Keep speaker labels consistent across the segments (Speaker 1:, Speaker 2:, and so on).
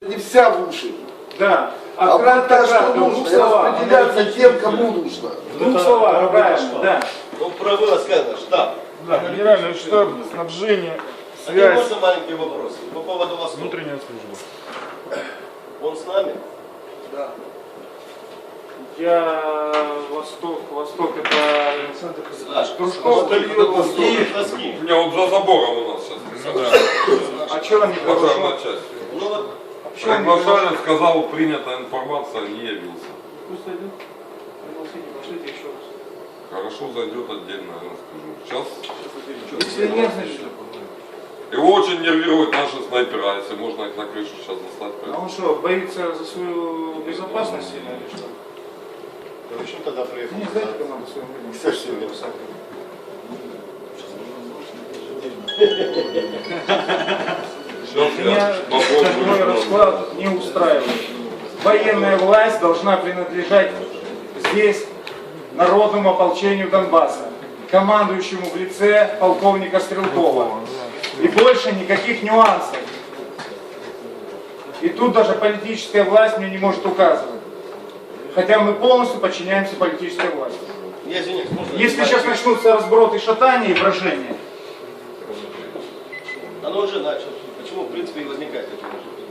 Speaker 1: Не вся в уши.
Speaker 2: Да.
Speaker 1: А вот то, что нужно, и распределяться тем, кому нужно.
Speaker 2: В двух словах, правильно, да.
Speaker 3: Ну, про было сказано, штаб.
Speaker 4: Да, генеральный штаб, снабжение,
Speaker 3: А не можно
Speaker 4: связь,
Speaker 3: маленький вопрос по поводу Востока?
Speaker 4: внутренняя служба.
Speaker 3: Он с нами?
Speaker 1: Да.
Speaker 2: Восток это
Speaker 3: Кружков,
Speaker 5: У меня вот за забором у нас сейчас.
Speaker 2: А что они
Speaker 5: Пожарная часть.
Speaker 3: Ну вот,
Speaker 5: Приглашали, сказал, принята информация, не явился.
Speaker 2: Пусть один. Пригласите, пошлите еще раз.
Speaker 5: Хорошо, зайдет отдельно, я расскажу. Сейчас.
Speaker 2: Если нет, значит.
Speaker 5: Его очень нервируют наши снайпера, если можно их на крышу сейчас достать.
Speaker 2: А он что, боится за свою безопасность или что?
Speaker 3: почему тогда приехал?
Speaker 2: Не знаете, как надо своим людям?
Speaker 3: Все сильно.
Speaker 2: Меня такой расклад не устраивает. Военная власть должна принадлежать здесь народному ополчению Донбасса, командующему в лице полковника Стрелкова. И больше никаких нюансов. И тут даже политическая власть мне не может указывать. Хотя мы полностью подчиняемся политической власти.
Speaker 3: Я извиняюсь, можно?
Speaker 2: Если сейчас начнутся разброты, шатания и брожения,
Speaker 3: Оно уже началось. Почему, в принципе, и возникает это?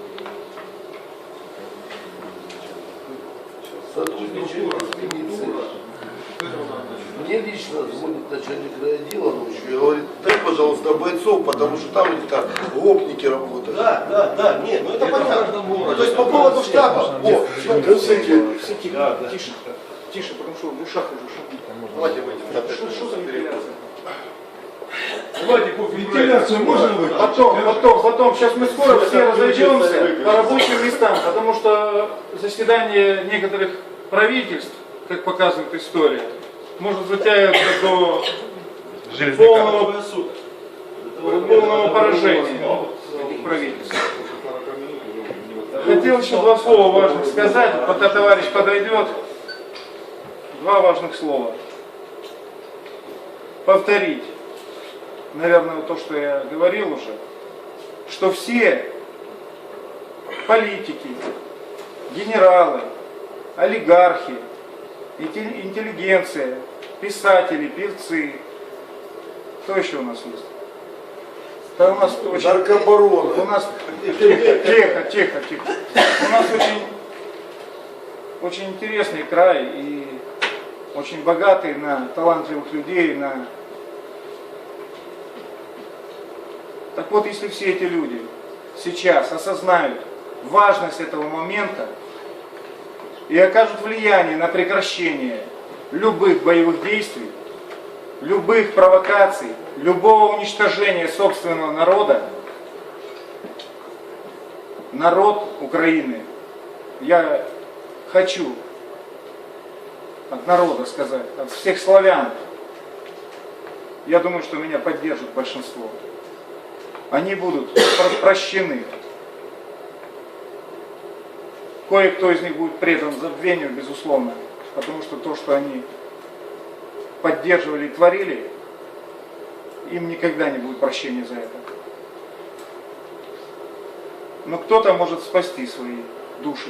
Speaker 1: Сотрудничаю с милицией. Мне лично звонит начальник райотдела ночью и говорит, дай, пожалуйста, бойцов, потому что там где-то гопники работают.
Speaker 3: Да, нет, ну это понятно.
Speaker 1: То есть по поводу штаба. О,
Speaker 2: тише, потому что в ушах уже шумит.
Speaker 3: Давайте выйдем.
Speaker 2: Что за вентиляция?
Speaker 4: Вентиляцию можно выйти?
Speaker 2: Потом, сейчас мы скоро все разойдемся по рабочим местам, потому что заседание некоторых правительств, как показывает история, может затягиваться до полного поражения этих правительств. Хотел еще два слова важных сказать, пока товарищ подойдет. Два важных слова. Повторить, наверное, то, что я говорил уже, что все политики, генералы, олигархи, интеллигенция, писатели, певцы, кто еще у нас есть? Да у нас очень...
Speaker 1: Наркобароны.
Speaker 2: У нас... Тихо. У нас очень интересный край и очень богатый на талантливых людей, на... Так вот, если все эти люди сейчас осознают важность этого момента и окажут влияние на прекращение любых боевых действий, любых провокаций, любого уничтожения собственного народа, народ Украины, я хочу от народа сказать, от всех славян, я думаю, что меня поддержит большинство, они будут прощены. Кое-кто из них будет предан забвению, безусловно, потому что то, что они поддерживали и творили, им никогда не будет прощения за это. Но кто-то может спасти свои души.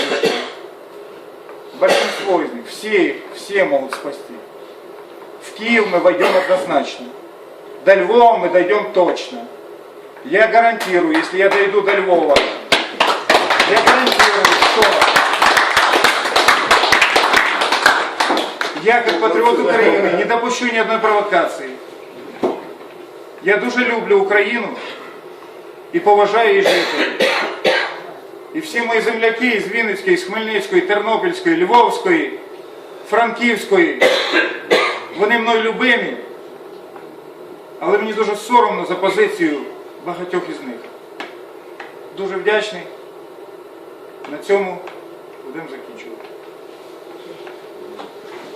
Speaker 2: Большинство из них, все могут спасти. В Киев мы войдем однозначно. До Львова мы дойдем точно. Я гарантирую, если я дойду до Львова, я гарантирую, что я, как патріот України, не допущу ни одной провокации. Я дуже люблю Україну і поважаю її жителів. І всі мої земляки із Вінницької, з Хмельницької, Тернопільської, Львовської, Франківської, вони мною любимі, але мені дуже соромно за позицію багатьох із них. Дуже вдячний. На цьому будемо закінчувати.